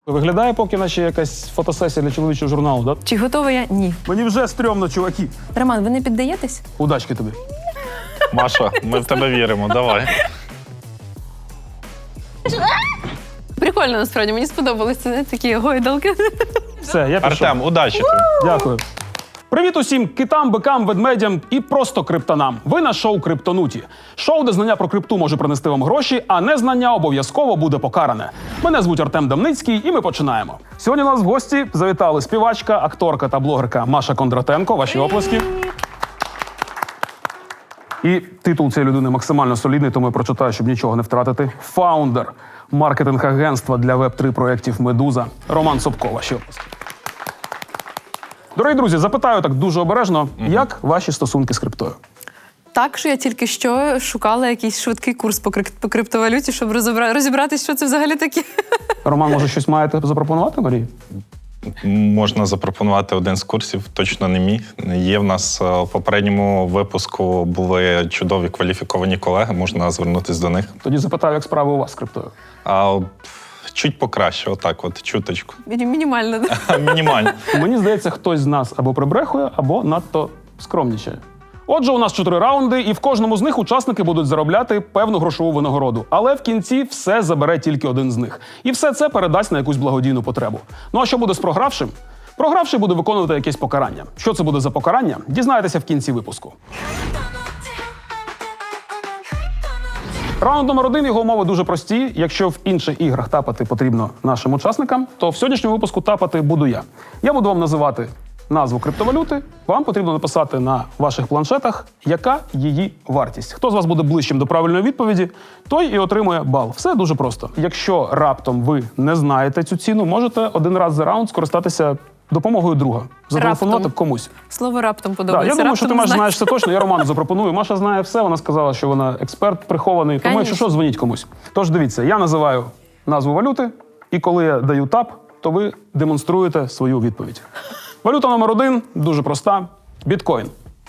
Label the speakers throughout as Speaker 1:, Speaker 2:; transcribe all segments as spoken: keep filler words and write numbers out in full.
Speaker 1: Виглядає поки наче якась фотосесія для чоловічого журналу, так? Да?
Speaker 2: Чи готова я? Ні.
Speaker 1: Мені вже стрьомно, чуваки.
Speaker 2: Роман, ви не піддаєтесь?
Speaker 1: Удачки тобі.
Speaker 3: Маша, ми в тебе віримо, давай.
Speaker 2: Прикольно, насправді, мені сподобалось. Це не такі гойдалки.
Speaker 1: Все, я пішов.
Speaker 3: Артем, удачі тобі.
Speaker 1: Дякую. Привіт усім китам, бикам, ведмедям і просто криптонам. Ви на шоу «Криптонуті». Шоу, де знання про крипту може принести вам гроші, а незнання обов'язково буде покаране. Мене звуть Артем Дамницький, і ми починаємо. Сьогодні у нас в гості завітали співачка, акторка та блогерка Маша Кондратенко. Ваші оплески. І титул цієї людини максимально солідний, тому я прочитаю, щоб нічого не втратити. Фаундер маркетинг-агентства для веб три проєктів «Медуза» Роман Собко. Ваші оплески. Дорогі друзі, запитаю так дуже обережно, mm-hmm. як ваші стосунки з криптою?
Speaker 2: Так, що я тільки що шукала якийсь швидкий курс по, крип... по криптовалюті, щоб розібра... розібратися, що це взагалі таке.
Speaker 1: Роман, може, щось маєте запропонувати, Марії?
Speaker 3: Можна запропонувати один з курсів, точно не мій. Є в нас в попередньому випуску були чудові кваліфіковані колеги, можна звернутися до них.
Speaker 1: Тоді запитаю, як справи у вас з криптою?
Speaker 3: А чуть покраще, отак от, чуточку.
Speaker 2: Мінімально, так?
Speaker 3: Мінімально.
Speaker 1: Мені здається, хтось з нас або прибрехує, або надто скромнічає. Отже, у нас чотири раунди, і в кожному з них учасники будуть заробляти певну грошову винагороду. Але в кінці все забере тільки один з них. І все це передасть на якусь благодійну потребу. Ну а що буде з програвшим? Програвший буде виконувати якесь покарання. Що це буде за покарання? Дізнаєтеся в кінці випуску. Раунд номер один, його умови дуже прості. Якщо в інших іграх тапати потрібно нашим учасникам, то в сьогоднішньому випуску тапати буду я. Я буду вам називати назву криптовалюти. Вам потрібно написати на ваших планшетах, яка її вартість. Хто з вас буде ближчим до правильної відповіді, той і отримує бал. Все дуже просто. Якщо раптом ви не знаєте цю ціну, можете один раз за раунд скористатися допомогою друга. Зателефонувати
Speaker 2: Раптом.
Speaker 1: комусь.
Speaker 2: Слово раптом
Speaker 1: Да,
Speaker 2: подобається.
Speaker 1: я думаю, що ти
Speaker 2: Раптом
Speaker 1: Маш,
Speaker 2: знаєш.
Speaker 1: знаєш це точно. Я Роману запропоную. Маша знає все. Вона сказала, що вона експерт прихований. Тому, якщо що, дзвоніть комусь. Тож дивіться, я називаю назву валюти, і коли я даю тап, то ви демонструєте свою відповідь. Валюта номер один, дуже проста. Біткоін.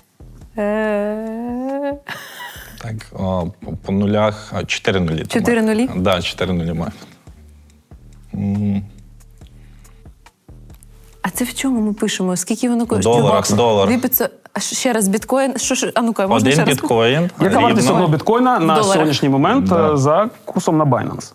Speaker 2: Е,
Speaker 3: Так, о, по- по нулях, а, чотири нулі.
Speaker 2: Чотири нулі?
Speaker 3: Так, да, чотири нулі має. М,
Speaker 2: А це в чому ми пишемо? Скільки воно
Speaker 3: В
Speaker 2: коштує?
Speaker 3: доларах, долар.
Speaker 2: Дві п'ятсот. А ще ще раз біткоін. Що ж? А ну-ка, можна
Speaker 3: Один
Speaker 2: ще раз?
Speaker 3: біткоін
Speaker 1: Яка вартість
Speaker 3: рівно.
Speaker 1: одного біткоїна на
Speaker 2: доларах.
Speaker 1: сьогоднішній момент
Speaker 3: Да.
Speaker 1: е, за курсом на Binance?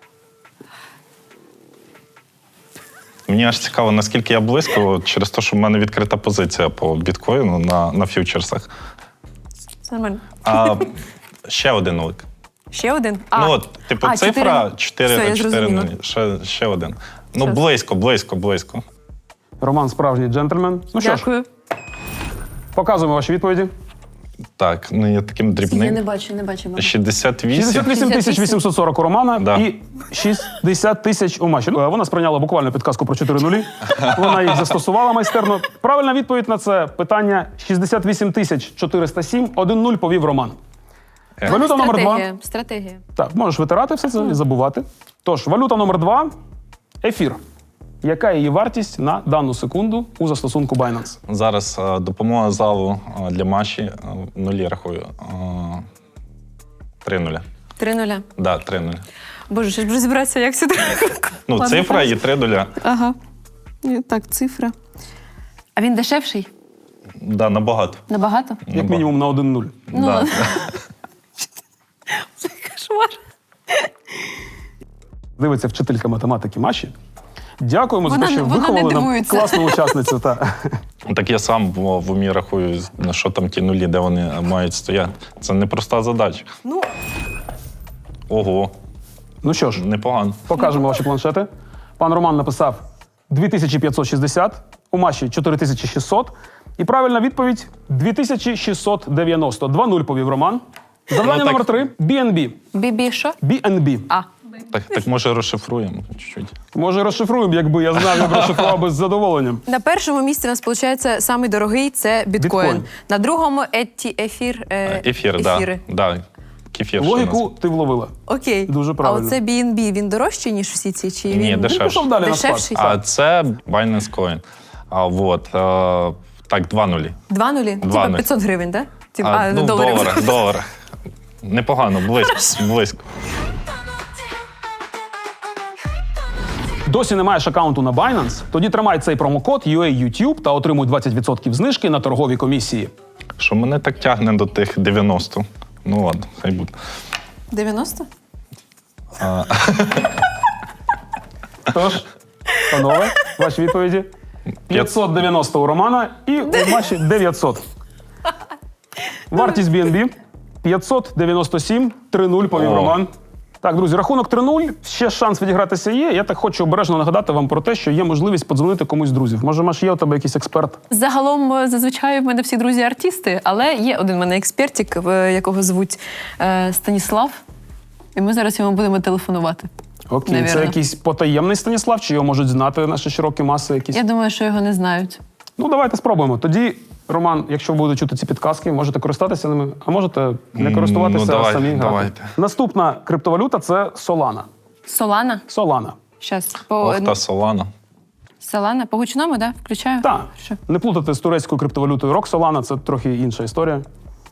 Speaker 3: Мені аж цікаво, наскільки я близько, через те, що в мене відкрита позиція по біткоїну на, на фьючерсах.
Speaker 2: Це нормально.
Speaker 3: А ще один нулик.
Speaker 2: Ще один? А,
Speaker 3: Ну от, типу,
Speaker 2: а,
Speaker 3: цифра
Speaker 2: Все,
Speaker 3: чотири
Speaker 2: я
Speaker 3: на чотири
Speaker 2: зрозуміла.
Speaker 3: нулі. Ще, ще один. Ну,
Speaker 2: Щас.
Speaker 3: близько, близько, близько.
Speaker 1: Роман справжній джентльмен. Ну що ж,
Speaker 2: Дякую.
Speaker 1: показуємо ваші відповіді.
Speaker 3: Так, ну я таким дрібним.
Speaker 2: Я не бачу, не бачу. мам.
Speaker 3: шістдесят вісім.
Speaker 1: шістдесят вісім тисяч вісімсот сорок у Романа
Speaker 3: Да.
Speaker 1: і шістдесят тисяч у Маші. Ну, вона сприйняла буквально підказку про чотири нулі. Вона їх застосувала майстерно. Правильна відповідь на це питання шістдесят вісім тисяч чотириста сім. один нуль повів Роман.
Speaker 3: Е.
Speaker 1: Валюта номер два.
Speaker 2: Стратегія. Стратегія.
Speaker 1: Так, можеш витирати все це і забувати. Тож, валюта номер два – ефір. Яка її вартість на дану секунду у застосунку Binance?
Speaker 3: Зараз е, допомога залу е, для Маші. е, Нулі рахую. Е, Три нуля.
Speaker 2: Три нуля.
Speaker 3: Да, три нуля.
Speaker 2: Боже, ще ж розібратися, як сюди.
Speaker 3: Ну,
Speaker 2: Ладно,
Speaker 3: цифра і три нуля.
Speaker 2: Ага. І Так, цифра. А він дешевший?
Speaker 3: Да, набагато.
Speaker 2: Набагато?
Speaker 1: Як мінімум на один нуль.
Speaker 2: Ну,
Speaker 3: Да.
Speaker 2: Це кошмар.
Speaker 1: Дивиться вчителька математики Маші. Дякуємо
Speaker 2: Вона
Speaker 1: за те, що
Speaker 2: не- вона не
Speaker 1: виховали нам
Speaker 2: дивується.
Speaker 1: класну учасницю. Та.
Speaker 3: Так я сам в, в умі рахую, на що там ті нулі, де вони мають стояти. Це непроста задача.
Speaker 2: Ну,
Speaker 3: Ого,
Speaker 1: Ну що ж,
Speaker 3: непогано.
Speaker 1: покажемо ваші планшети. Пан Роман написав дві тисячі п'ятсот шістдесят, у Маші чотири тисячі шістсот. І правильна відповідь – дві тисячі шістсот дев'яносто. два нуль повів Роман. Завдання
Speaker 3: Ну, так-
Speaker 1: номер три – бі ен бі.
Speaker 2: бібі що?
Speaker 1: бі ен бі.
Speaker 2: А.
Speaker 3: Так, так може розшифруємо чуть-чуть.
Speaker 1: Може розшифруємо, якби я знав, я б розшифрував би з задоволенням.
Speaker 2: На першому місці у нас, виходить, самий дорогий – це біткоін.
Speaker 1: Біткоін.
Speaker 2: На другому – еті, ефір, е,
Speaker 3: Ефір,
Speaker 2: ефіри.
Speaker 3: да. Да. Кефір. ще
Speaker 1: Логіку ти вловила.
Speaker 2: Окей.
Speaker 1: Дуже правильно.
Speaker 2: А оце бі ен бі, він дорожчий, ніж всі ці? Чи
Speaker 3: Ні,
Speaker 2: він...
Speaker 1: Він
Speaker 3: дешевше.
Speaker 1: пішов далі на спад.
Speaker 2: Дешевший?
Speaker 3: А це Binance Coin. А вот, е, так, два нулі.
Speaker 2: Два нулі?
Speaker 3: Два
Speaker 2: Типа
Speaker 3: нулі.
Speaker 2: п'ятсот гривень, так? Да?
Speaker 3: А,
Speaker 2: А,
Speaker 3: ну, в
Speaker 2: доларів.
Speaker 3: доларах, доларах. Непогано, близько, близько.
Speaker 1: Досі не маєш аккаунту на Binance? Тоді тримай цей промокод ю ей ютуб та отримуй двадцять відсотків знижки на торгові комісії.
Speaker 3: Що мене так тягне до тих дев'яносто. Ну ладно, хай буде.
Speaker 2: дев'яносто?
Speaker 1: Тож, панове, ваші відповіді. п'ятсот дев'яносто у Романа і у Маші дев'ятсот. Вартість бі ен бі п'ятсот дев'яносто сім, три нуль повів
Speaker 3: О.
Speaker 1: Роман. Так, друзі, рахунок три нуль. Ще шанс відігратися є. Я так хочу обережно нагадати вам про те, що є можливість подзвонити комусь з друзів. Може, Маш, є у тебе якийсь експерт?
Speaker 2: Загалом, е, зазвичай в мене всі друзі артисти, але є один в мене експертик, е, якого звуть е, Станіслав. І ми зараз йому будемо телефонувати.
Speaker 1: Окей,
Speaker 2: Навірно.
Speaker 1: це якийсь потаємний Станіслав, чи його можуть знати наші широкі маси якісь?
Speaker 2: Я думаю, що його не знають.
Speaker 1: Ну, давайте спробуємо. Тоді, Роман, якщо ви будете чути ці підказки, можете користатися ними, а можете не користуватися,
Speaker 3: Ну, давай,
Speaker 1: а самі грати.
Speaker 3: давайте.
Speaker 1: Наступна криптовалюта – це Solana.
Speaker 2: Солана?
Speaker 1: Solana.
Speaker 2: Щас. По...
Speaker 3: Ох, та Солана.
Speaker 2: Солана? По гучному, так? Да? Включаю?
Speaker 1: Так,
Speaker 2: Що?
Speaker 1: не плутати з турецькою криптовалютою Rock Solana, це трохи інша історія.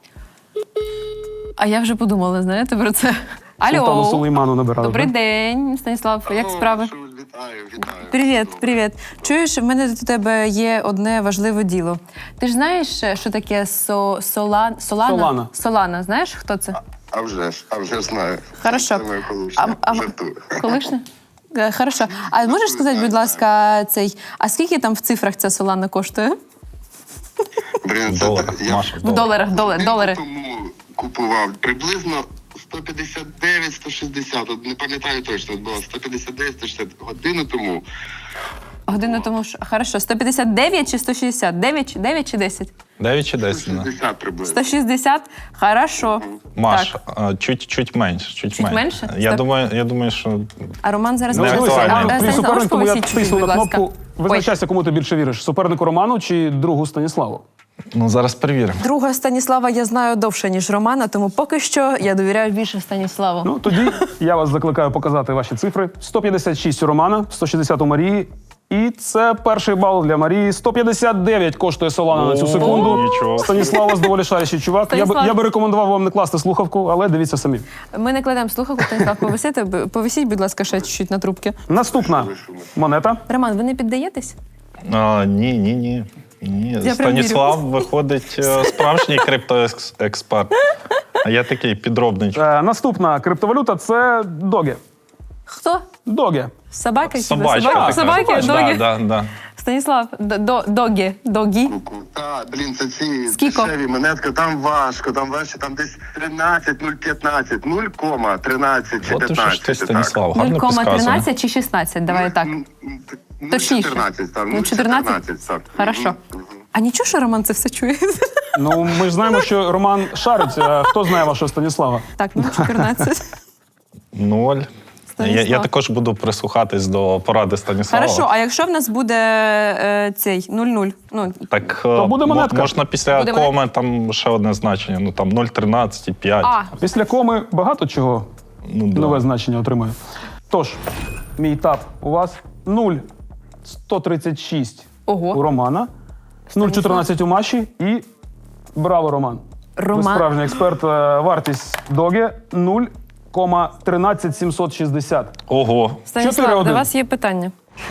Speaker 2: А я вже подумала, знаєте, про це.
Speaker 1: Султану
Speaker 2: Алло.
Speaker 1: Сулейману набирали.
Speaker 2: Добрий
Speaker 1: так?
Speaker 2: день, Станіслав. Як справи?
Speaker 4: Вітаю, вітаю.
Speaker 2: Привіт, привіт. Чуєш, в мене до тебе є одне важливе діло. Ти ж знаєш, що таке со... Солан... Солана?
Speaker 1: Солана.
Speaker 2: Солана. Знаєш, хто це?
Speaker 4: А вже ж, а вже ж знаю.
Speaker 2: Хорошо.
Speaker 4: Це моя колишня.
Speaker 2: А- а-
Speaker 4: Жартую.
Speaker 2: Колишня? Е, Хорошо. А можеш сказати, будь ласка, цей, а скільки там в цифрах ця Солана коштує?
Speaker 4: Блін, це
Speaker 3: Долар,
Speaker 4: я
Speaker 3: Маша,
Speaker 2: В
Speaker 3: долар.
Speaker 2: доларах, долар, долари.
Speaker 4: тому купував приблизно сто п'ятдесят дев'ять - сто шістдесят, от не пам'ятаю точно, от було сто п'ятдесят дев'ять - сто шістдесят годину тому.
Speaker 2: Годину тому що. Хорошо, сто п'ятдесят дев'ять чи сто шістдесят? дев'ять, дев'ять чи десять?
Speaker 3: дев'ять чи десять? да.
Speaker 4: шістдесят приблизно.
Speaker 2: сто шістдесят? Хорошо.
Speaker 3: Маш,
Speaker 2: Так.
Speaker 3: а, чуть, чуть менше. Чуть,
Speaker 2: Чуть менше?
Speaker 3: Я
Speaker 2: Сто-
Speaker 3: думаю, я думаю, що
Speaker 2: А Роман зараз
Speaker 3: Не
Speaker 2: може-
Speaker 3: актуально.
Speaker 2: А,
Speaker 3: Твій
Speaker 2: Станіслав,
Speaker 1: Твій
Speaker 2: можеш
Speaker 1: суперник, тому я
Speaker 2: повисіть чуть-чуть,
Speaker 1: тисну
Speaker 2: будь
Speaker 1: на
Speaker 2: ласка?
Speaker 1: кнопку. Визначайся, кому ти більше віриш. Супернику Роману чи другу Станіславу?
Speaker 3: ну зараз перевіримо.
Speaker 2: Друга Станіслава я знаю довше, ніж Романа, тому поки що я довіряю більше Станіславу.
Speaker 1: Ну, тоді я вас закликаю показати ваші цифри. сто п'ятдесят шість у Романа, сто шістдесят у Марії. І це перший бал для Марії. сто п'ятдесят дев'ять коштує Солана на цю
Speaker 3: О,
Speaker 1: секунду.
Speaker 3: нічого.
Speaker 1: Станіслав у вас доволі шарящий чувак. Я би,
Speaker 2: Станіслав.
Speaker 1: я би рекомендував вам не класти слухавку, але дивіться самі.
Speaker 2: Ми не кладемо слухавку, Станіслав, повисите, повисіть, будь ласка, ще чуть-чуть на трубки.
Speaker 1: Наступна монета.
Speaker 2: Роман, ви не піддаєтесь?
Speaker 3: А, ні, ні, ні. Ні.
Speaker 2: прям
Speaker 3: Станіслав виходить е, справжній криптоексперт. А я такий підробний.
Speaker 1: Е, наступна криптовалюта – це Доге.
Speaker 2: Хто?
Speaker 1: Доге.
Speaker 2: Собаки?
Speaker 3: Собачка.
Speaker 2: Собаки?
Speaker 3: така.
Speaker 2: Собаки?
Speaker 3: Да,
Speaker 2: Догі?
Speaker 3: да, да.
Speaker 2: Станіслав, до- до- догі, догі.
Speaker 4: Та, блін, це ці
Speaker 2: Скільки?
Speaker 4: дешеві монетки, там важко, там важче, там десь тринадцять, нуль п'ятнадцять, нуль кома тринадцять чи
Speaker 3: От ти що
Speaker 4: п'ятнадцять.
Speaker 3: ж ти,
Speaker 4: так.
Speaker 3: Станіслав, гарно
Speaker 2: нуль кома
Speaker 3: підказує.
Speaker 2: тринадцять чи шістнадцять? Давай так.
Speaker 4: М, м, т- нуль
Speaker 2: Точніше.
Speaker 4: чотирнадцять, так,
Speaker 2: Ну,
Speaker 4: нуль
Speaker 2: чотирнадцять?
Speaker 4: чотирнадцять, так.
Speaker 2: Хорошо.
Speaker 4: Мгм.
Speaker 2: А нічого, що Роман це все чує?
Speaker 1: Ну, ми ж знаємо, що Роман шарить. А хто знає вашого Станіслава?
Speaker 2: Так, ну чотирнадцять.
Speaker 3: Ноль. Я,
Speaker 2: Станіслав.
Speaker 3: я також буду прислухатись до поради Станіслава.
Speaker 2: Хорошо, а якщо в нас буде е, цей нуль-нуль? Ну,
Speaker 3: Так
Speaker 1: То буде
Speaker 3: мо-
Speaker 1: монетка.
Speaker 3: можна після
Speaker 2: Буде
Speaker 3: коми там ще одне значення. Ну там нуль тринадцять і п'ять.
Speaker 2: а,
Speaker 1: Після коми багато чого
Speaker 3: Ну, да.
Speaker 1: нове значення отримує. Тож, мій тап у вас нуль сто тридцять шість
Speaker 2: Ого.
Speaker 1: у Романа, нуль чотирнадцять у Маші і браво, Роман. Ви
Speaker 2: Роман.
Speaker 1: справжній експерт. Е, Вартість Доге нуль кома тринадцять сімсот шістдесят.
Speaker 3: Ого.
Speaker 1: чотири
Speaker 2: Станіслав,
Speaker 1: один.
Speaker 2: до вас є питання.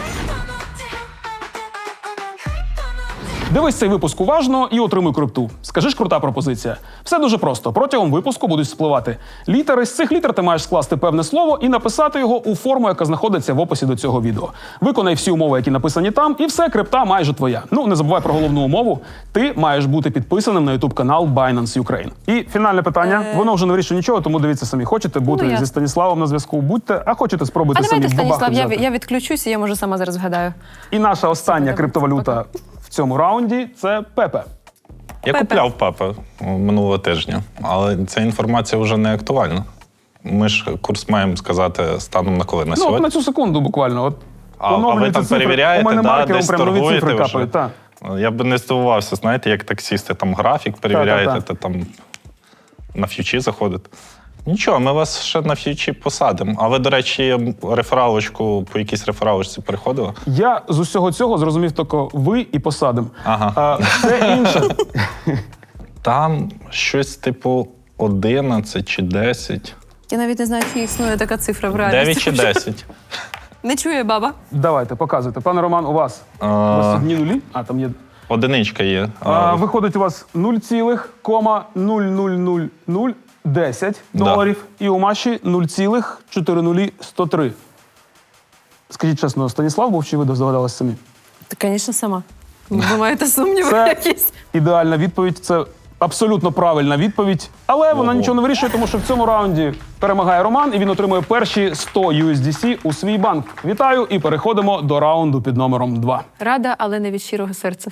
Speaker 1: Дивись цей випуск уважно і отримуй крипту. Скажи ж, крута пропозиція. Все дуже просто. Протягом випуску будуть спливати літери. З цих літер ти маєш скласти певне слово і написати його у форму, яка знаходиться в описі до цього відео. Виконай всі умови, які написані там, і все, крипта майже твоя. Ну, не забувай про головну умову. Ти маєш бути підписаним на ютуб канал Binance Ukraine. І фінальне питання. Воно вже не вирішує нічого, тому дивіться самі. Хочете бути
Speaker 2: Ну, я-
Speaker 1: зі Станіславом на зв'язку, будьте, а хочете спробуйте
Speaker 2: А
Speaker 1: самі
Speaker 2: давайте,
Speaker 1: в бабаху
Speaker 2: Станіслав, я,
Speaker 1: взяти.
Speaker 2: я відключуся, я може сама зараз вгадаю.
Speaker 1: І наша остання криптовалюта в цьому раунді – це Пепе.
Speaker 3: Я
Speaker 2: Пепе.
Speaker 3: купляв пепе минулого тижня, але ця інформація вже не актуальна. Ми ж курс маємо сказати станом на коли на
Speaker 1: Ну, от
Speaker 3: сьогодні.
Speaker 1: на цю секунду буквально. От
Speaker 3: А, а ви
Speaker 1: оновлюються
Speaker 3: там
Speaker 1: цифри.
Speaker 3: перевіряєте,
Speaker 1: У мене
Speaker 3: да,
Speaker 1: маркером
Speaker 3: десь
Speaker 1: прям нові
Speaker 3: торгуєте
Speaker 1: цифри
Speaker 3: вже?
Speaker 1: капають. Так.
Speaker 3: Я б не здивувався, знаєте, як таксісти, там графік перевіряєте,
Speaker 1: Та-та-та.
Speaker 3: та там на ф'ючі заходите. Нічого, ми вас ще на ф'ючі посадимо. А ви, до речі, рефералочку, по якійсь рефералочці переходили?
Speaker 1: Я з усього цього зрозумів тільки ви і посадим.
Speaker 3: Ага.
Speaker 1: А все інше.
Speaker 3: Там щось типу одинадцять чи десять.
Speaker 2: Я навіть не знаю, чи існує така цифра в
Speaker 3: дев'ять
Speaker 2: реальності.
Speaker 3: чи десять.
Speaker 2: Не чує баба.
Speaker 1: Давайте, показуйте. Пане Роман, у вас, у вас
Speaker 3: А,
Speaker 1: одні нулі, а там є.
Speaker 3: одиничка є.
Speaker 1: А,
Speaker 3: А,
Speaker 1: виходить у вас нуль цілих нуль нуль нуль нуль десять
Speaker 3: Да.
Speaker 1: доларів, і у Маші нуль цілих чотири нуль сто три. Скажіть чесно, Станіслав був чи ви здогадалися самі?
Speaker 2: Та, звісно, сама. Ви маєте сумніви
Speaker 1: Це
Speaker 2: якісь?
Speaker 1: ідеальна відповідь, це абсолютно правильна відповідь, але вона
Speaker 3: Ого.
Speaker 1: нічого не вирішує, тому що в цьому раунді перемагає Роман, і він отримує перші сто ю ес ді сі у свій банк. Вітаю, і переходимо до раунду під номером два.
Speaker 2: Рада, але не від щирого серця.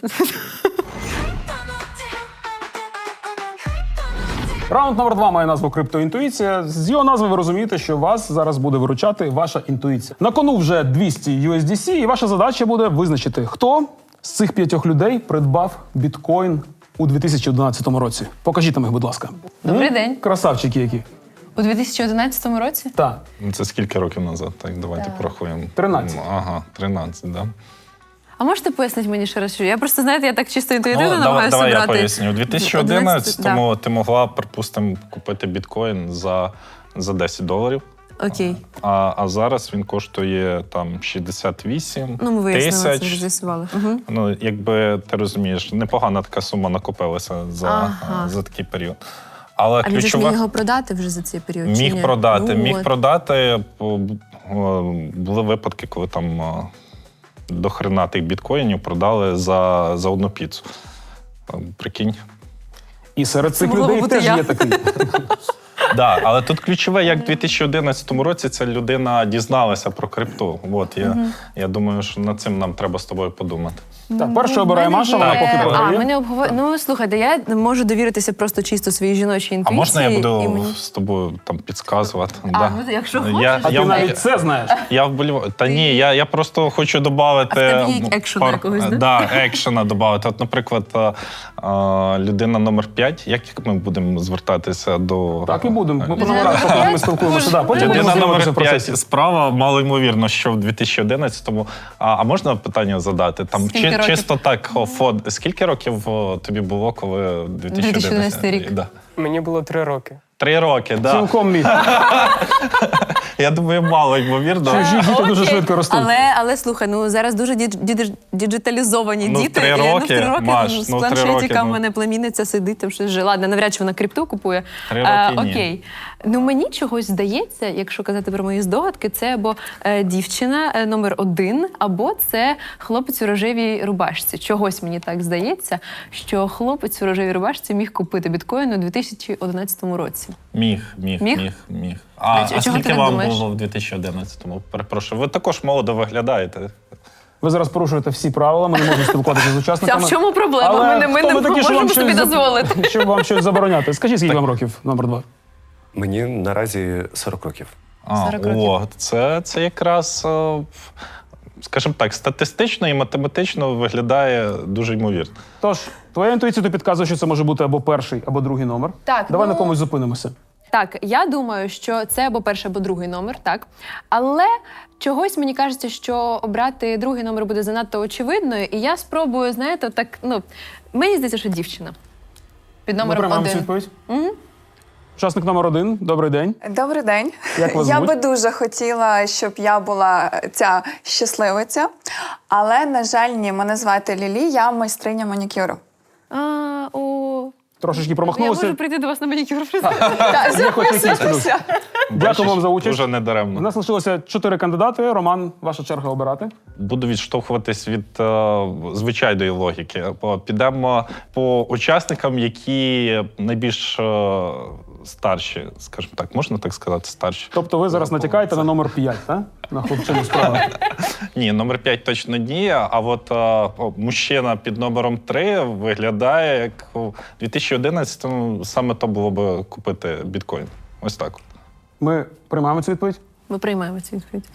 Speaker 1: Раунд номер два має назву «Криптоінтуїція». З його назви ви розумієте, що вас зараз буде виручати ваша інтуїція. На кону вже двісті ю ес ді сі, і ваша задача буде визначити, хто з цих п'ятьох людей придбав біткоін у дві тисячі одинадцятому році. Покажіть нам їх, будь ласка.
Speaker 2: Добрий
Speaker 1: М?
Speaker 2: день.
Speaker 1: Красавчики які.
Speaker 2: У дві тисячі одинадцятому році?
Speaker 1: Так.
Speaker 3: Це скільки років назад? Так, давайте порахуємо.
Speaker 1: тринадцять.
Speaker 3: Ну, Ага, тринадцять, да.
Speaker 2: А можете пояснити мені ще раз, що я просто, знаєте, я так чисто інтуїтивно
Speaker 3: Ну, давай,
Speaker 2: намагаюся
Speaker 3: давай я
Speaker 2: брати.
Speaker 3: поясню. У дві тисячі одинадцятому ти могла, припустимо, купити біткоін за, за десять доларів.
Speaker 2: Окей.
Speaker 3: А, а зараз він коштує там шістдесят вісім
Speaker 2: Ну, ми вияснили, це вже
Speaker 3: тисяч.
Speaker 2: з'ясували. Угу.
Speaker 3: Ну, якби ти розумієш, непогана така сума накопилася за,
Speaker 2: Ага.
Speaker 3: за такий період. Але
Speaker 5: А він же ж
Speaker 3: ключова...
Speaker 5: міг його продати вже за цей період? чи
Speaker 3: Міг
Speaker 5: ні?
Speaker 3: продати,
Speaker 5: Ну,
Speaker 3: міг
Speaker 5: от.
Speaker 3: продати. О, о, Були випадки, коли там о, до хрена тих біткоїнів продали за, за одну піцу. О, Прикинь.
Speaker 1: І серед цих
Speaker 2: могло
Speaker 1: людей
Speaker 2: бути
Speaker 1: теж
Speaker 2: я.
Speaker 1: є такий.
Speaker 3: Да, але тут ключове, як в дві тисячі одинадцятому році ця людина дізналася про крипту. От, я, я думаю, що над цим нам треба з тобою подумати.
Speaker 1: Так, перше обирає Маша, вона поки
Speaker 2: А,
Speaker 1: програє.
Speaker 2: ми не обговор... Ну, слухайте, я можу довіритися просто чисто своїй жіночій
Speaker 3: А
Speaker 2: інтуїції.
Speaker 3: можна я буду
Speaker 2: і мені-
Speaker 3: з тобою там підказувати?
Speaker 2: А, ну, якщо хочеш.
Speaker 3: Я,
Speaker 1: А
Speaker 3: я,
Speaker 1: ти
Speaker 3: в-
Speaker 1: навіть це знаєш.
Speaker 3: Я вболіваю. Та ні, я, я просто хочу додати.
Speaker 2: А в тебе є екшена якогось, да?
Speaker 3: Да, екшена додати. От, наприклад, а, а, людина номер п'ять. Як ми будемо звертатися до.
Speaker 1: Так і будемо. Ми по
Speaker 2: Людина
Speaker 1: номерах,
Speaker 2: номер
Speaker 1: поки ми
Speaker 2: п'ять?
Speaker 1: спілкуємося. Да, потім будемо
Speaker 3: Людина
Speaker 1: знайомитися
Speaker 3: номер
Speaker 1: в процесі.
Speaker 3: п'ять справа, мало ймовірно, що в дві тисячі одинадцятому. А, а можна питання задати? Там
Speaker 2: Скільки
Speaker 3: чи,
Speaker 2: років?
Speaker 3: чисто так, о, фон. Скільки років о, тобі було, коли в дві тисячі одинадцятому?
Speaker 2: дві тисячі одинадцятий рік.
Speaker 3: Да.
Speaker 6: Мені було три роки.
Speaker 3: Три роки, да.
Speaker 1: Цілком міг.
Speaker 3: Я думаю, мало ймовірно.
Speaker 1: Чужі діти дуже
Speaker 2: Окей.
Speaker 1: швидко ростуть.
Speaker 2: Але, але слухай, ну зараз дуже дідж- дідж- діджиталізовані
Speaker 3: Ну, в
Speaker 2: діти.
Speaker 3: три
Speaker 2: і, ну, в
Speaker 3: роки,
Speaker 2: три роки
Speaker 3: Маш,
Speaker 2: ну, з
Speaker 3: ну, в три
Speaker 2: планшетика
Speaker 3: роки,
Speaker 2: в
Speaker 3: ну.
Speaker 2: мене племінниця сидить, там щось жила. Ладно, навряд чи вона крипту купує.
Speaker 3: Три
Speaker 2: Е,
Speaker 3: роки ні.
Speaker 2: окей. Ну мені чогось здається, якщо казати про мої здогадки, це або е, дівчина е, номер один, або це хлопець у рожевій рубашці. Чогось мені так здається, що хлопець у рожевій рубашці міг купити біткоін у дві тисячі одинадцятому році.
Speaker 3: Міг, міг,
Speaker 2: Міг?
Speaker 3: міг, міг. А,
Speaker 2: А
Speaker 3: а,
Speaker 2: чого ти
Speaker 3: скільки
Speaker 2: так
Speaker 3: вам
Speaker 2: думаєш?
Speaker 3: було в дві тисячі одинадцятому? Перепрошую, ви також молодо виглядаєте.
Speaker 1: Ви зараз порушуєте всі правила, ми не можемо спілкуватися з
Speaker 2: А
Speaker 1: учасниками.
Speaker 2: в чому проблема?
Speaker 1: Але
Speaker 2: Ми не, ми
Speaker 1: хто
Speaker 2: не
Speaker 1: ви такі, що
Speaker 2: можемо
Speaker 1: вам
Speaker 2: собі
Speaker 1: щось за-
Speaker 2: дозволити.
Speaker 1: Щоб вам щось забороняти. Скажіть, скільки вам років, номер два?
Speaker 7: Мені наразі сорок років.
Speaker 3: А,
Speaker 2: сорок років.
Speaker 3: о, це, це якраз, е, скажімо так, статистично і математично виглядає дуже ймовірно.
Speaker 1: Тож, твоя інтуїція тобі підказує, що це може бути або перший, або другий номер.
Speaker 2: Так,
Speaker 1: Давай
Speaker 2: ну-
Speaker 1: на комусь зупинимося.
Speaker 2: Так, я думаю, що це або перший, або другий номер, так. Але чогось мені кажеться, що обрати другий номер буде занадто очевидною, і я спробую, знаєте, так, ну, мені здається, що дівчина. Під
Speaker 1: Ми
Speaker 2: номером
Speaker 1: приймаємо цю
Speaker 2: один.
Speaker 1: відповідь. Учасник номер один. Добрий день.
Speaker 8: Добрий день.
Speaker 1: Як вас
Speaker 8: Я
Speaker 1: звуть?
Speaker 8: би дуже хотіла, щоб я була ця щасливиця, але, на жаль, ні, мене звати Лілі, я майстриня манікюру.
Speaker 2: А, о,
Speaker 1: Трошечки
Speaker 2: я
Speaker 1: промахнулися.
Speaker 2: можу прийти до вас на манікюр.
Speaker 8: Так,
Speaker 1: Є хоч якийсь плюс. Дякую вам за участь.
Speaker 3: Дуже
Speaker 1: У
Speaker 3: недаремно.
Speaker 1: нас лишилося чотири кандидати. Роман, ваша черга обирати.
Speaker 3: Буду відштовхуватись від е, звичайної логіки. Бо підемо по учасникам, які найбільш е, старші, скажімо так, можна так сказати, старші.
Speaker 1: Тобто ви зараз натякаєте на номер п'ять, так? На хлопчину справа.
Speaker 3: Ні, номер п'ять точно ні, а от е, о, мужчина під номером три виглядає, як у дві тисячі одинадцятому саме то було б купити біткоін. Ось так.
Speaker 1: Ми приймаємо цю відповідь.
Speaker 2: Ми приймаємо цю відповідь.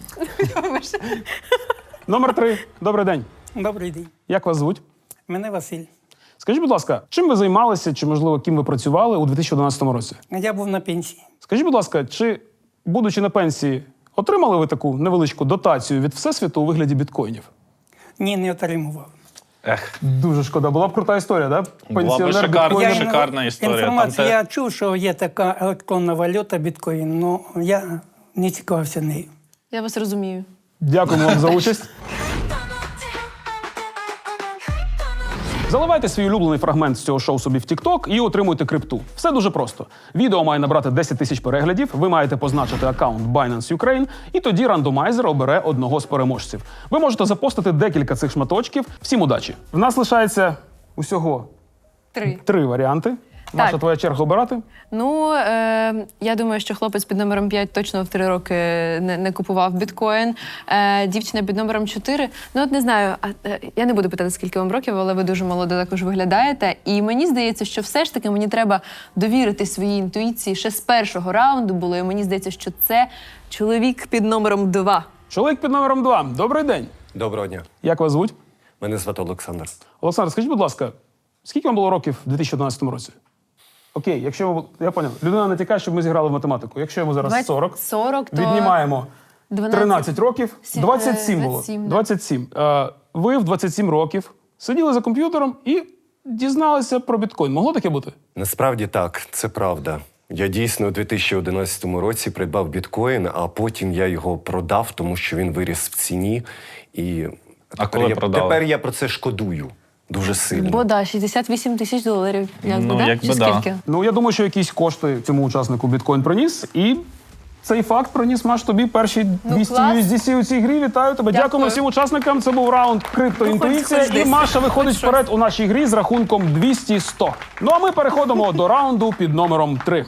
Speaker 1: Номер три. Добрий день.
Speaker 6: Добрий день.
Speaker 1: Як вас звуть?
Speaker 6: Мене Василь.
Speaker 1: Скажіть, будь ласка, чим ви займалися, чи, можливо, ким ви працювали у дві тисячі одинадцятому році?
Speaker 6: Я був на пенсії.
Speaker 1: Скажіть, будь ласка, чи, будучи на пенсії, отримали ви таку невеличку дотацію від Всесвіту у вигляді біткоїнів?
Speaker 6: Ні, не отримував.
Speaker 3: Ех,
Speaker 1: Дуже шкода. Була б крута історія, так?
Speaker 3: Була б шикарна.
Speaker 1: біткоїнер.
Speaker 3: Я- шикарна історія.
Speaker 6: Інформацію,
Speaker 3: Там те-
Speaker 6: я чув, що є така електронна валюта біткоін, але я не цікавився нею.
Speaker 2: Я вас розумію.
Speaker 1: Дякуємо вам за участь. Заливайте свій улюблений фрагмент з цього шоу собі в TikTok і отримуйте крипту. Все дуже просто. Відео має набрати десять тисяч переглядів, ви маєте позначити аккаунт Binance Ukraine, і тоді рандомайзер обере одного з переможців. Ви можете запостити декілька цих шматочків. Всім удачі! В нас лишається усього
Speaker 2: Три.
Speaker 1: три варіанти. Маша, твоя черга обирати?
Speaker 2: Ну, е, я думаю, що хлопець під номером п'ять точно в три роки не, не купував біткоін. Е, дівчина під номером чотири. Ну, от не знаю, а, е, я не буду питати, скільки вам років, але ви дуже молодо також виглядаєте. І мені здається, що все ж таки мені треба довірити своїй інтуїції. Ще з першого раунду було, і мені здається, що це чоловік під номером два.
Speaker 1: Чоловік під номером два. Добрий день.
Speaker 7: Доброго дня.
Speaker 1: Як вас звуть?
Speaker 7: Мене звати Олександр.
Speaker 1: Олександр, скажіть, будь ласка, скільки вам було років у дві тисячі одинадцятому році? Окей, якщо ви, я поняв, людина натякає, щоб ми зіграли в математику. Якщо йому зараз сорок,
Speaker 2: сорок, то
Speaker 1: віднімаємо
Speaker 2: дванадцять.
Speaker 1: тринадцять років,
Speaker 2: Сі-
Speaker 1: двадцять сім було.
Speaker 2: двадцять сім, да.
Speaker 1: двадцять сім. Е, ви в двадцять сім років сиділи за комп'ютером і дізналися про біткоін. Могло таке бути?
Speaker 7: Насправді так, це правда. Я дійсно у дві тисячі одинадцятому році придбав біткоін, а потім я його продав, тому що він виріс в ціні. І
Speaker 3: А
Speaker 7: тепер,
Speaker 3: коли
Speaker 7: я,
Speaker 3: продали?
Speaker 7: тепер я про це шкодую дуже сильно.
Speaker 2: Бо да, шістдесят вісім тисяч доларів. Як
Speaker 3: Ну,
Speaker 2: би, да?
Speaker 3: якби
Speaker 2: Чи
Speaker 3: да.
Speaker 2: скільки?
Speaker 1: Ну, я думаю, що якісь кошти цьому учаснику біткоін приніс, і цей факт приніс, Маш, тобі перші двісті
Speaker 2: клас.
Speaker 1: ю ес ді сі у цій грі. Вітаю тебе.
Speaker 2: Дякую.
Speaker 1: Дякуємо всім учасникам. Це був раунд криптоінтуїція.
Speaker 2: Ну, хоч- хоч
Speaker 1: І
Speaker 2: десь.
Speaker 1: Маша виходить
Speaker 2: Хоч
Speaker 1: вперед у нашій грі з рахунком двісті сто. Ну а ми переходимо до раунду під номером три.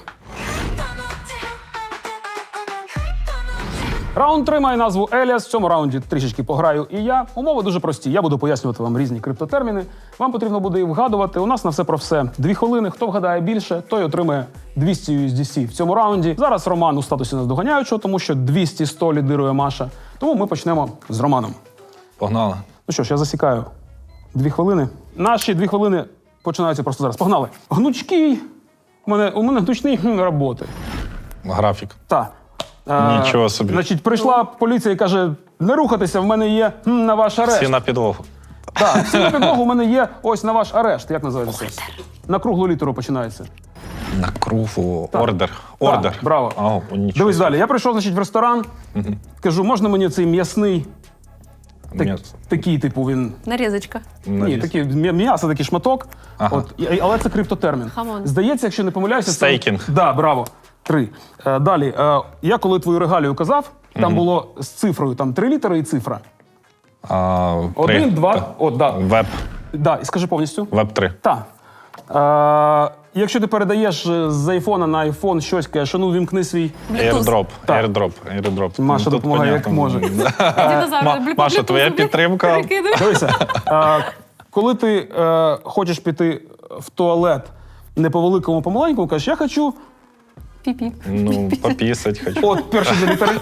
Speaker 1: Раунд три має назву Еліас. В цьому раунді трішечки пограю і я. Умови дуже прості. Я буду пояснювати вам різні криптотерміни. Вам потрібно буде їх вгадувати. У нас на все про все дві хвилини. Хто вгадає більше, той отримає двісті ю ес ді сі в цьому раунді. Зараз Роман у статусі наздоганяючого, тому що двісті сто лідирує Маша. Тому ми почнемо з Романом.
Speaker 3: Погнали.
Speaker 1: Ну що ж, я засікаю дві хвилини. Наші дві хвилини починаються просто зараз. Погнали. Гнучкий. У мене, у мене гнучний хм, роботи.
Speaker 3: Графік.
Speaker 1: Так. Е,
Speaker 3: Нічого собі.
Speaker 1: Значить, прийшла поліція і каже: не рухатися, в мене є хм, на ваш арешт.
Speaker 3: Всі на підлогу.
Speaker 1: Так, всі на підлогу, у мене є ось на ваш арешт. Як називається? На круглу літеру починається.
Speaker 3: На кругу. Ордер.
Speaker 1: Так,
Speaker 3: Ордер.
Speaker 1: браво.
Speaker 3: А, о, нічого.
Speaker 1: Дивись далі. Я прийшов, значить, в ресторан. Кажу, можна мені цей м'ясний, так,
Speaker 3: М'ясо.
Speaker 1: такий, типу, він.
Speaker 2: Нарізочка.
Speaker 1: Ні,
Speaker 3: Наріз.
Speaker 1: такий м'я- м'ясо, такий шматок.
Speaker 3: Ага.
Speaker 1: От, і- але це криптотермін.
Speaker 2: Хамон.
Speaker 1: Здається, якщо не помиляюся, це...
Speaker 3: Стейкінг.
Speaker 1: Да, браво. Три. Е, далі. Е, я коли твою регалію казав, там було з цифрою там три літери і цифра.
Speaker 3: А, три.
Speaker 1: Один, два.
Speaker 3: Та.
Speaker 1: От, да.
Speaker 3: Веб.
Speaker 1: Да, і скажи повністю.
Speaker 3: Веб три.
Speaker 1: Так. Е, якщо ти передаєш е, з айфона на айфон щось, кажеш, ну вімкни свій.
Speaker 3: Airdrop.
Speaker 1: Так.
Speaker 3: Airdrop. Airdrop.
Speaker 1: Маша
Speaker 3: Ну, тут
Speaker 1: допомагає, як
Speaker 3: понятно.
Speaker 1: може.
Speaker 2: Динозаври,
Speaker 3: Ма-
Speaker 2: блю-
Speaker 3: Маша,
Speaker 2: блю-
Speaker 3: твоя
Speaker 2: блю-
Speaker 3: підтримка.
Speaker 2: перекидує.
Speaker 1: Дивися, е, коли ти е, хочеш піти в туалет не по великому, по маленькому, кажеш, я хочу
Speaker 2: Пі-пі.
Speaker 3: Ну, попісать хочу.
Speaker 1: от перші дві літери.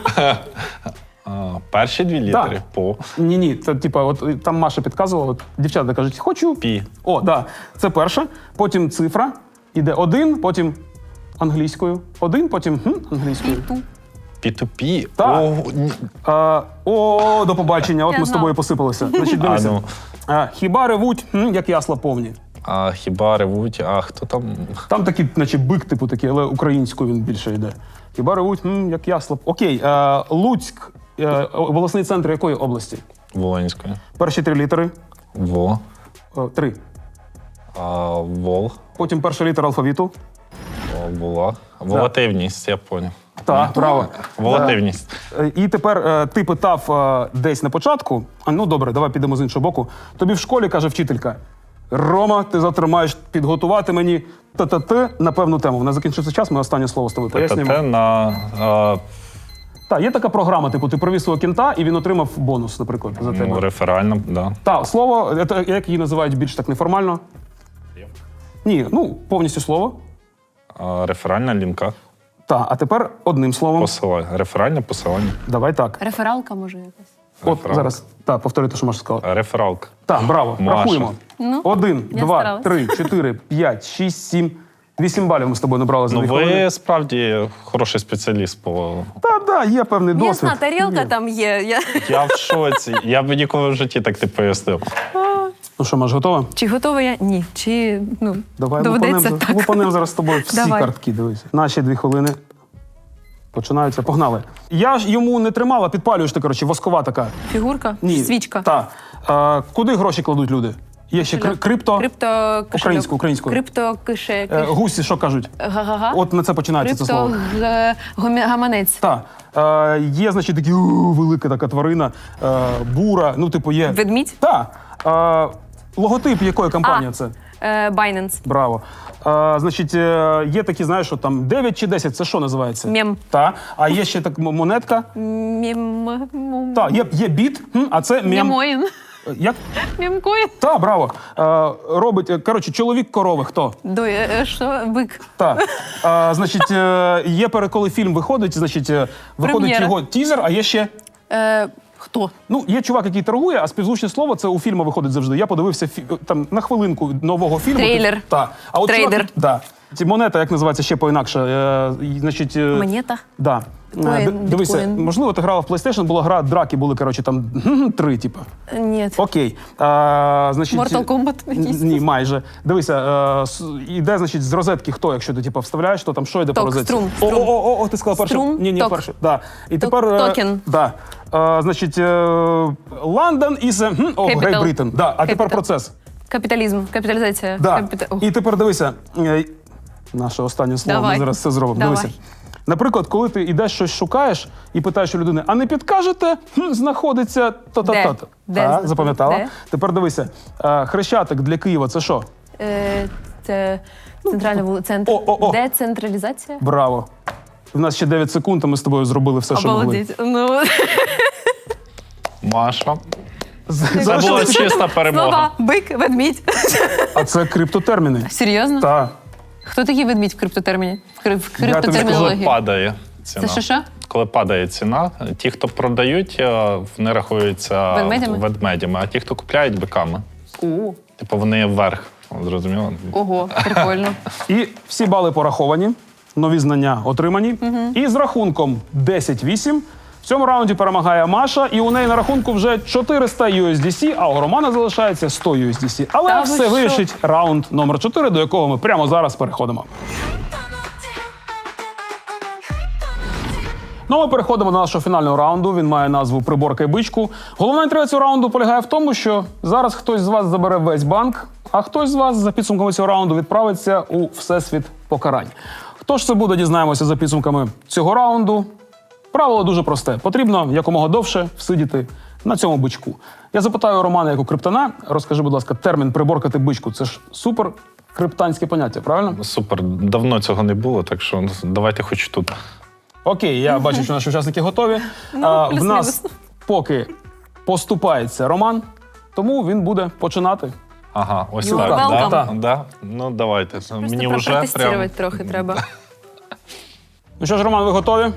Speaker 3: А, перші дві літери.
Speaker 1: Так.
Speaker 3: По.
Speaker 1: Ні, ні, це типа, от там Маша підказувала, от дівчата кажуть, хочу.
Speaker 3: Пі.
Speaker 1: О, да. Це перша, потім цифра, іде один, потім англійською. Один, потім хм, англійською.
Speaker 3: пі ту пі.
Speaker 1: Так.
Speaker 3: О, ні.
Speaker 1: А, о, до побачення, от
Speaker 2: Я
Speaker 1: ми з
Speaker 2: знала.
Speaker 1: тобою посипалися. Значить, дивися.
Speaker 3: А, ну.
Speaker 1: А, хіба ревуть, хм, як ясла повні.
Speaker 3: А хіба ревуть, а хто там?
Speaker 1: Там такий, наче бик, типу такий, але українською він більше йде. Хіба ревуть, хм, як ясла. Окей, е, Луцьк, е, обласний центр якої області?
Speaker 3: Волинською.
Speaker 1: Перші три літери.
Speaker 3: Во.
Speaker 1: О, три.
Speaker 3: А, вол.
Speaker 1: Потім перша літера алфавіту.
Speaker 3: О, Вола. Волативність, я поняв.
Speaker 1: Так, право.
Speaker 3: Волативність.
Speaker 1: Е, І тепер е, ти питав е, десь на початку, а ну добре, давай підемо з іншого боку. Тобі в школі каже вчителька: Рома, ти завтра маєш підготувати мені т-т-т на певну тему. В нас закінчився час, ми останнє слово з тобою пояснюємо.
Speaker 3: ТТ на а,
Speaker 1: Так, є така програма, типу, ти привіз свого кінта і він отримав бонус, наприклад, за тебе.
Speaker 3: ну, реферальна, да.
Speaker 1: Так, слово, е, те, як її називають більш так неформально? Ні, ну, повністю слово.
Speaker 3: А, реферальна лінка.
Speaker 1: Так, а тепер одним словом.
Speaker 3: Посилання. Реферальне посилання.
Speaker 1: Давай так.
Speaker 2: Рефералка може якась.
Speaker 1: От
Speaker 3: Рефералка.
Speaker 1: зараз. Так, повтори те, що Маша сказала.
Speaker 3: Рефералка.
Speaker 1: Так, браво.
Speaker 3: Маша.
Speaker 1: Рахуємо.
Speaker 2: Ну,
Speaker 1: Один,
Speaker 2: я
Speaker 1: два,
Speaker 2: старалась.
Speaker 1: три, чотири, п'ять, шість, сім. Вісім балів ми з тобою набрали за
Speaker 3: Ну,
Speaker 1: дві хвилини.
Speaker 3: ви справді хороший спеціаліст по.
Speaker 1: Та, да, є певний досвід.
Speaker 2: Ясна тарілка
Speaker 1: Є.
Speaker 2: там є. Я...
Speaker 3: Я в шоці. Я б ніколи в житті так не пояснив.
Speaker 1: Ну що, Маш, готова?
Speaker 2: Чи готова я? Ні. Чи ну,
Speaker 1: Давай
Speaker 2: доведеться
Speaker 1: лупанем,
Speaker 2: так.
Speaker 1: лупанем зараз з тобою всі
Speaker 2: Давай.
Speaker 1: картки, дивись. Наші дві хвилини Починаються, погнали. Я ж йому не тримала, підпалюєш ти, коротше, воскова така.
Speaker 2: Фігурка?
Speaker 1: Ні.
Speaker 2: Свічка?
Speaker 1: Так. А, куди гроші кладуть люди? Є ще кри- крипто.
Speaker 2: Крипто кошельок.
Speaker 1: Українською, українською.
Speaker 2: Крипто кише.
Speaker 1: Е, гусі, що кажуть?
Speaker 2: Га-га-га.
Speaker 1: От на це починається це слово.
Speaker 2: Крипто г- гомі- гаманець.
Speaker 1: Так. Е, є, значить, такі у, велика така тварина, е, бура, ну, типу, є.
Speaker 2: Ведмідь?
Speaker 1: Так. Е, логотип якої компанії
Speaker 2: А.
Speaker 1: це?
Speaker 2: Е, Binance.
Speaker 1: Браво. Е, значить, е, є такі, знаєш, що там дев'ять чи десять, це що називається?
Speaker 2: Мем.
Speaker 1: Так. А є ще так м- монетка.
Speaker 2: Мем...
Speaker 1: Так, є, є біт, хм, а це мем.
Speaker 2: Мемоїн.
Speaker 1: Як?
Speaker 2: Мемкоін.
Speaker 1: Так, браво. Е, робить, е, коротше, чоловік корови, хто?
Speaker 2: До, е, що? Бик.
Speaker 1: Так. Е, значить, е, є пере, коли фільм виходить, значить, е, виходить
Speaker 2: Прем'єра.
Speaker 1: його тізер, а є ще.
Speaker 2: Е, хто?
Speaker 1: Ну, є чувак, який торгує, а співзвучне слово це у фільму виходить завжди. Я подивився фі- там на хвилинку нового фільму.
Speaker 2: Трейлер.
Speaker 1: Так. А от
Speaker 2: Трейдер.
Speaker 1: Чувак, да. Ці монета, як називається ще по-інакше. Е, і, значить, е,
Speaker 2: Монета?
Speaker 1: Да.
Speaker 2: Біткоін,
Speaker 1: Е, д- Дивися,
Speaker 2: біткоін.
Speaker 1: можливо, ти грала в PlayStation, була гра, драки були, коротше, там три, типу.
Speaker 2: Ні.
Speaker 1: Окей. А, значить,
Speaker 2: Mortal Kombat якийсь?
Speaker 1: Ні, майже. Дивися, е, с- іде, значить, з розетки хто, якщо ти типу, вставляєш, то там що йде
Speaker 2: Ток,
Speaker 1: по розетці?
Speaker 2: струм,
Speaker 1: О,
Speaker 2: струм.
Speaker 1: о, о, о, ти сказала перше.
Speaker 2: Струм,
Speaker 1: Ні, ні,
Speaker 2: ток.
Speaker 1: перше. Да. І
Speaker 2: Ток-
Speaker 1: тепер. е,
Speaker 2: токен.
Speaker 1: Да. Е, значить, е, London is a, хм, о,
Speaker 2: Capital.
Speaker 1: Great Britain. Да. А тепер
Speaker 2: Capital.
Speaker 1: процес.
Speaker 2: Капіталізм. Капіталізація.
Speaker 1: Да.
Speaker 2: Капіта- Ох.
Speaker 1: І тепер дивися, е, наше останнє слово,
Speaker 2: Давай.
Speaker 1: ми зараз все зробимо.
Speaker 2: Давай.
Speaker 1: Дивися. Наприклад, коли ти йдеш щось шукаєш і питаєш у людини, а не підкажете, хм, знаходиться то-то-то.
Speaker 2: Де?
Speaker 1: А,
Speaker 2: знаходиться?
Speaker 1: запам'ятала?
Speaker 2: Де?
Speaker 1: Тепер дивися, е, Хрещатик для Києва це що?
Speaker 2: Е, це центральна вулиця. Центр.
Speaker 1: О, о, о.
Speaker 2: Децентралізація?
Speaker 1: Браво. У нас ще дев'ять секунд, а ми з тобою зробили все, що могли.
Speaker 2: Обалдеть. Ну,
Speaker 3: Маша.
Speaker 1: З-
Speaker 3: Це була
Speaker 1: що-
Speaker 3: чиста перемога.
Speaker 2: слова. Бик, ведмідь.
Speaker 1: А це криптотерміни.
Speaker 2: Серйозно?
Speaker 1: Так.
Speaker 2: Хто такий ведмідь в криптотерміні? В кри- в
Speaker 1: тобі
Speaker 3: Коли
Speaker 2: криптотермінології?
Speaker 3: падає ціна.
Speaker 2: Це що що?
Speaker 3: Коли падає ціна, ті, хто продають, е, вони рахуються
Speaker 2: Ведмедями?
Speaker 3: ведмедями, а ті, хто купляють, биками.
Speaker 2: О,
Speaker 3: Типу вони вверх. Зрозуміло?
Speaker 2: ого, прикольно.
Speaker 1: І всі бали пораховані, нові знання отримані. І з рахунком десять вісім в цьому раунді перемагає Маша, і у неї на рахунку вже чотириста ю ес ді сі, а у Романа залишається сто ю ес ді сі. Але
Speaker 2: Та ви
Speaker 1: все
Speaker 2: що?
Speaker 1: вирішить раунд номер чотири, до якого ми прямо зараз переходимо. Ну, ми переходимо до нашого фінального раунду. Він має назву «Приборка і бичку». Головна інтрига цього раунду полягає в тому, що зараз хтось з вас забере весь банк, а хтось з вас за підсумками цього раунду відправиться у всесвіт покарань. Хто ж це буде, дізнаємося за підсумками цього раунду. Правило дуже просте. Потрібно якомога довше всидіти на цьому бичку. Я запитаю Романа, як у криптона, розкажи, будь ласка, термін «приборкати бичку» – це ж супер криптанське поняття, правильно?
Speaker 3: Супер. Давно цього не було, так що давайте хоч тут.
Speaker 1: Окей, я бачу, що наші учасники готові. А, в нас поки поступається Роман, тому він буде починати.
Speaker 3: Ага, ось
Speaker 2: You're
Speaker 3: так.
Speaker 2: welcome.
Speaker 3: Да? Да? Ну давайте. Мені
Speaker 2: Просто
Speaker 3: вже
Speaker 2: протестувати
Speaker 3: прям...
Speaker 2: трохи треба.
Speaker 1: Ну що ж, Роман, ви готові?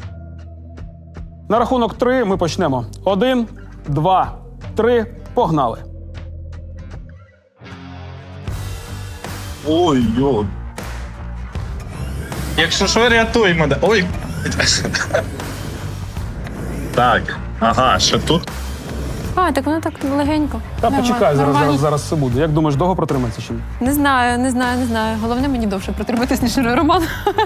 Speaker 1: На рахунок три ми почнемо. Один, два, три, погнали.
Speaker 3: Ой, йо. Якщо що, рятуй мене. Ой. Так, ага, ще тут.
Speaker 2: А, так воно так легенько.
Speaker 1: Та
Speaker 2: Нормально,
Speaker 1: почекай, зараз,
Speaker 2: нормально.
Speaker 1: зараз, зараз все буде. Як думаєш, довго протримається чи ні?
Speaker 2: Не знаю, не знаю, не знаю. Головне мені довше протриматись, ніж Роман.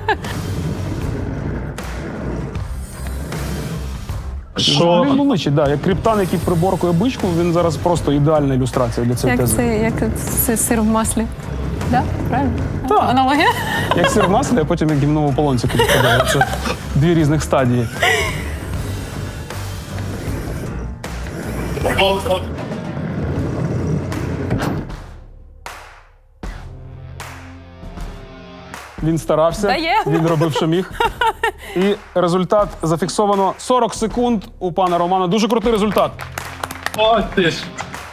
Speaker 3: Що?
Speaker 1: Він личить, да. Як криптан, який приборкує бичку, він зараз просто ідеальна ілюстрація для цієї
Speaker 2: Як
Speaker 1: тези.
Speaker 2: це, як це сир в маслі. Да? Правильно?
Speaker 1: Так.
Speaker 2: Аналогія?
Speaker 1: Як сир в маслі, а потім як гімнову полонці підпадає. Це дві різних стадії. Він старався,
Speaker 2: Дає.
Speaker 1: він робив, що міг. І результат зафіксовано сорок секунд у пана Романа. Дуже крутий результат.
Speaker 3: Ой, ти ж.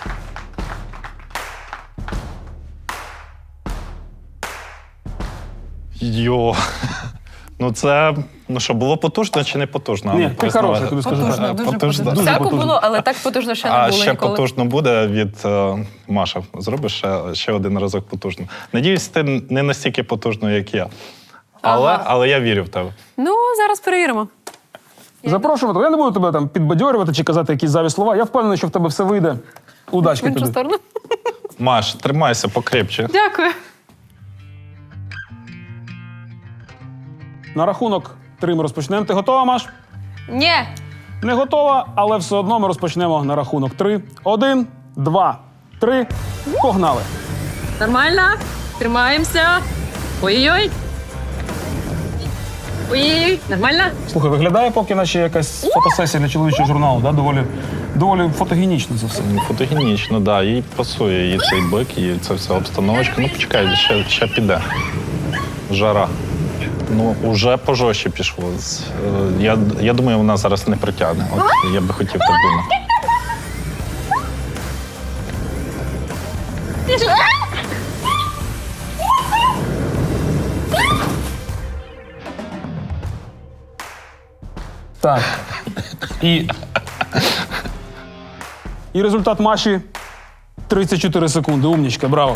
Speaker 3: Йо. Ну це, ну що, було потужно чи не потужно?
Speaker 1: Ні,
Speaker 3: Ну,
Speaker 1: ти
Speaker 3: признавай.
Speaker 1: хороший, тобі скажу
Speaker 2: Потужно,
Speaker 1: так.
Speaker 2: дуже
Speaker 3: Потужно.
Speaker 2: потужно.
Speaker 1: Дуже
Speaker 2: Всяко
Speaker 1: потужно.
Speaker 2: було, але так потужно ще не
Speaker 3: А
Speaker 2: було
Speaker 3: ще
Speaker 2: ніколи.
Speaker 3: потужно буде від е, Маша. Зробиш ще, ще один разок потужно. Надіюсь, ти не настільки потужно, як я. Але,
Speaker 2: Ага.
Speaker 3: але я вірю в тебе.
Speaker 2: Ну, зараз перевіримо.
Speaker 1: Запрошувати. Я не буду тебе там підбадьорювати чи казати якісь зайві слова. Я впевнений, що в тебе все вийде.
Speaker 2: В
Speaker 1: Удачки
Speaker 2: іншу
Speaker 1: тобі.
Speaker 2: сторону.
Speaker 3: Маш, тримайся покрепче.
Speaker 2: Дякую.
Speaker 1: На рахунок три ми розпочнемо. Ти готова, Маш?
Speaker 2: Ні.
Speaker 1: Не готова, але все одно ми розпочнемо на рахунок три. Один, два, три. Погнали.
Speaker 2: Нормально. Тримаємося. Ой-ой-ой. Ой, нормально?
Speaker 1: Слухай, виглядає поки наче якась фотосесія для чоловічого журналу, да? доволі, доволі фотогенічно це все.
Speaker 3: Фотогенічно, так. Да. Їй пасує, їй цей бик, їй це вся обстановочка. Ну, почекай, ще, ще піде. Жара. Ну, уже пожорстче пішло. З- е, Я, я думаю, вона зараз не притягне. От я би хотів так думати.
Speaker 1: Так. І, і результат Маші тридцять чотири секунди. Умнічка, браво.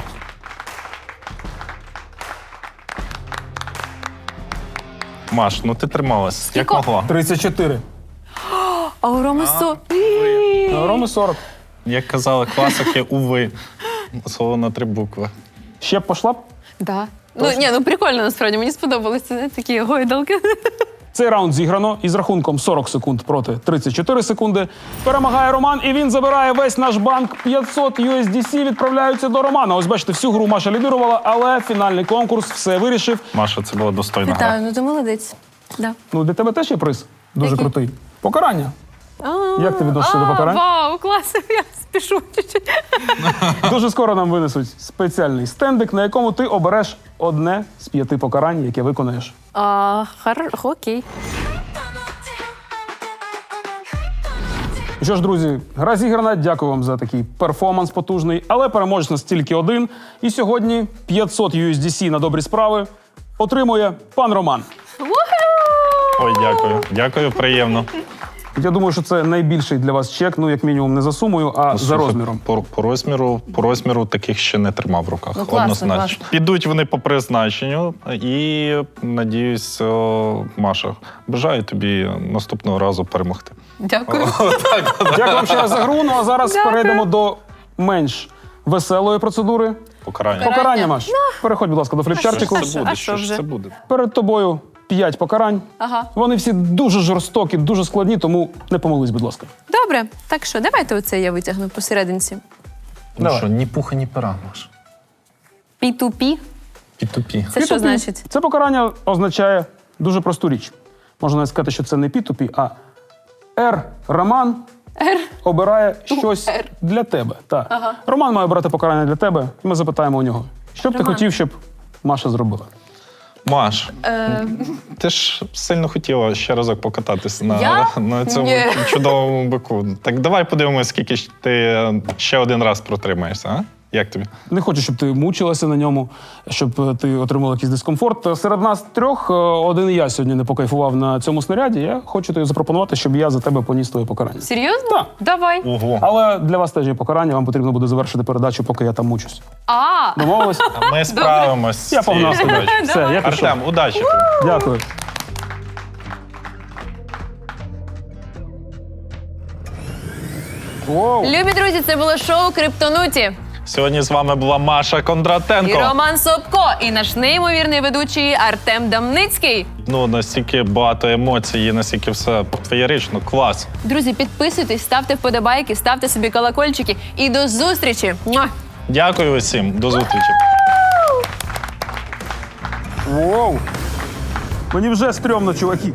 Speaker 3: Маш, ну ти трималась, як могла.
Speaker 1: тридцять чотири.
Speaker 2: А у Роми сто.
Speaker 1: А Роми сорок.
Speaker 3: Як казали класики, уви. Слово на три букви.
Speaker 1: Ще б пошла б?
Speaker 2: Да. Ну, ні, ну прикольно, насправді. Мені сподобалися не, такі гойдалки.
Speaker 1: Цей раунд зіграно із рахунком сорок секунд проти тридцять чотири секунди. Перемагає Роман, і він забирає весь наш банк. п'ятсот ю ес ді сі відправляються до Романа. Ось бачите, всю гру Маша лідирувала, але фінальний конкурс все вирішив.
Speaker 3: Маша, це була достойна гра.
Speaker 2: Вітаю, ну ти молодець. Да.
Speaker 1: Ну, для тебе теж є приз. Дуже
Speaker 2: Який?
Speaker 1: крутий. Покарання.
Speaker 2: А,
Speaker 1: Як ти відносишся
Speaker 2: а,
Speaker 1: до покарань?
Speaker 2: Вау, клас, я спішу чуть-чуть.
Speaker 1: Дуже скоро нам винесуть спеціальний стендик, на якому ти обереш одне з п'яти покарань, яке виконаєш.
Speaker 2: А, хар... Окей.
Speaker 1: Ну що ж, друзі, гра зіграна. Дякую вам за такий перформанс потужний. Але переможець нас тільки один. І сьогодні п'ятсот ю ес ді сі на добрі справи отримує пан Роман.
Speaker 3: Ой, дякую. Дякую, приємно.
Speaker 1: Я думаю, що це найбільший для вас чек, ну як мінімум не за сумою, а за
Speaker 3: Слухай,
Speaker 1: розміром.
Speaker 3: По, по розміру, по розміру таких ще не тримав в руках.
Speaker 2: Ну, класно,
Speaker 3: однозначно.
Speaker 2: класно.
Speaker 3: Підуть вони по призначенню і, надіюсь, о, Маша, бажаю тобі наступного разу перемогти.
Speaker 2: Дякую.
Speaker 1: Дякую вам ще раз за гру. Ну а зараз
Speaker 2: Дякую.
Speaker 1: перейдемо до менш веселої процедури.
Speaker 3: Покарання.
Speaker 1: Покарання, Маш. Переходь, будь ласка, до фліпчартику.
Speaker 2: А що?
Speaker 3: Це буде,
Speaker 2: А
Speaker 3: що
Speaker 2: що
Speaker 3: ж
Speaker 2: вже?
Speaker 3: це буде?
Speaker 1: Перед тобою п'ять покарань.
Speaker 2: Ага.
Speaker 1: Вони всі дуже жорстокі, дуже складні, тому не помились, будь ласка.
Speaker 2: Добре, так що, давайте оце я витягну посерединці.
Speaker 3: Ну
Speaker 1: Давай.
Speaker 3: що, ні пуха, ні пера, Маш.
Speaker 2: пі ту пі.
Speaker 3: Пі-ту-пі.
Speaker 2: Це що
Speaker 1: Пі-ту-пі.
Speaker 2: значить?
Speaker 1: Це покарання означає дуже просту річ. Можна навіть сказати, що це не пі-ту-пі, а Р. Роман
Speaker 2: Р.
Speaker 1: обирає щось
Speaker 2: Р.
Speaker 1: для тебе. Так. Роман має обрати покарання для тебе, і ми запитаємо у нього, що б ти
Speaker 2: Роман.
Speaker 1: хотів, щоб Маша зробила.
Speaker 3: Маш,
Speaker 2: Е,
Speaker 3: ти ж сильно хотіла ще разок покататись на,
Speaker 2: Я?
Speaker 3: на цьому
Speaker 2: Ні.
Speaker 3: чудовому бику. Так давай подивимось, скільки ж ти ще один раз протримаєшся, а? Як тобі?
Speaker 1: Не хочу, щоб ти мучилася на ньому, щоб е, ти отримала якийсь дискомфорт. Серед нас трьох е, один я сьогодні не покайфував на цьому снаряді. Я хочу тобі запропонувати, щоб я за тебе поніс твоє покарання.
Speaker 2: серйозно?
Speaker 1: Так.
Speaker 2: Давай.
Speaker 3: Ого.
Speaker 1: Але для вас теж є покарання, вам потрібно буде завершити передачу, поки я там мучусь.
Speaker 2: А,
Speaker 1: Домовились?
Speaker 3: Ми справимось. з
Speaker 1: Я
Speaker 3: цією
Speaker 1: погнав себе.
Speaker 3: задачею.
Speaker 1: Все, я пішов.
Speaker 3: Артем, удачі.
Speaker 1: Дякую. Воу.
Speaker 2: любі друзі, це було шоу Криптонуті.
Speaker 3: Сьогодні з вами була Маша
Speaker 2: І
Speaker 3: Кондратенко.
Speaker 2: Роман Собко, і наш неймовірний ведучий Артем Дамницький.
Speaker 3: Ну, настільки багато емоцій, і настільки все феєрично, клас.
Speaker 2: Друзі, підписуйтесь, ставте вподобайки, ставте собі колокольчики. І до зустрічі! Муа!
Speaker 3: Дякую усім, до зустрічі.
Speaker 1: Воу. Мені вже стрьомно, чуваки.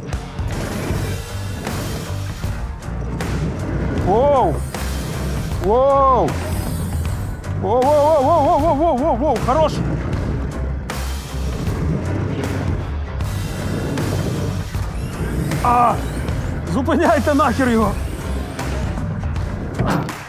Speaker 1: Воу. Воу. Воу, воу, воу, воу, воу, воу, воу, воу, хорош. А, зупиняйте нахер його.